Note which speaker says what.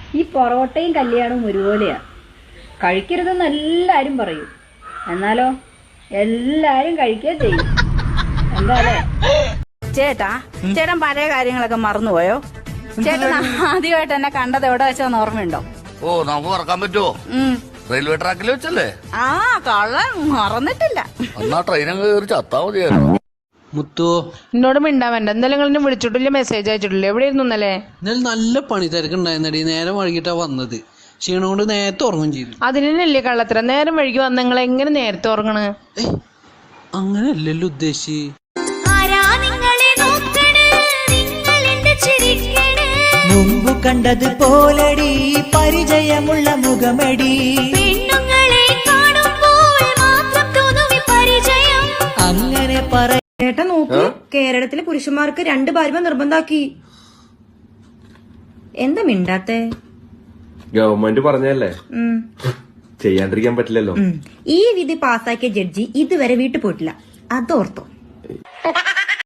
Speaker 1: ഈ പൊറോട്ടയും കല്യാണവും ഒരുപോലെയാ. കഴിക്കരുതെന്ന് എല്ലാരും പറയും, എന്നാലോ എല്ലാരും കഴിക്കുക ചെയ്യും. എന്താല്ലേ
Speaker 2: ചേട്ടൻ പഴയ കാര്യങ്ങളൊക്കെ മറന്നുപോയോ? ചേട്ടൻ ആദ്യമായിട്ട് എന്നെ കണ്ടത് എവിടെ വെച്ചാന്ന് ഓർമ്മയുണ്ടോ?
Speaker 3: ഓ, നമുക്ക് മറക്കാൻ പറ്റുമോ? റെയിൽവേ ട്രാക്കിൽ വെച്ചല്ലേ?
Speaker 2: ആ, കള്ളൻ മറന്നിട്ടില്ല.
Speaker 3: എന്നാ ട്രെയിനങ്ങ് കയറി ചത്താ മതിയായിരുന്നു.
Speaker 4: മുത്തോ,
Speaker 5: എന്നോട് മിണ്ടാൻ വേണ്ട. ഇന്നലെ നിങ്ങൾ വിളിച്ചിട്ടില്ല, മെസ്സേജ് അയച്ചിട്ടില്ല. എവിടെ ഇരുന്നു ഇന്നലെ?
Speaker 4: ഇന്നലെ നല്ല പണി തിരക്കുണ്ടായിരുന്നടി. നേരം വൈകിട്ടാ വന്നത്. ക്ഷീണം കൊണ്ട് നേരത്തെ ഉറങ്ങും ചെയ്തു.
Speaker 5: അതിനല്ലേ കള്ളത്തരം. നേരം വൈകി വന്ന് നിങ്ങൾ എങ്ങനെ നേരത്തെ ഉറങ്ങണ്?
Speaker 4: അങ്ങനെയല്ലല്ലോ ഉദ്ദേശിച്ച്.
Speaker 6: മുമ്പ് കണ്ടത് പോലടി പരിചയമുള്ള മുഖമടി. അങ്ങനെ പറ.
Speaker 7: ചേട്ടാ നോക്ക്, കേരളത്തിലെ പുരുഷന്മാർക്ക് 2 ഭാര്യ നിർബന്ധാക്കി. എന്താ മിണ്ടാത്തെ?
Speaker 8: ഗവൺമെന്റ് പറഞ്ഞല്ലേ, ചെയ്യാണ്ടിരിക്കാൻ പറ്റില്ലല്ലോ.
Speaker 7: ഈ വിധി പാസാക്കിയ ജഡ്ജി ഇതുവരെ വീട്ടിൽ പോയിട്ടില്ല, അതോർത്തോ.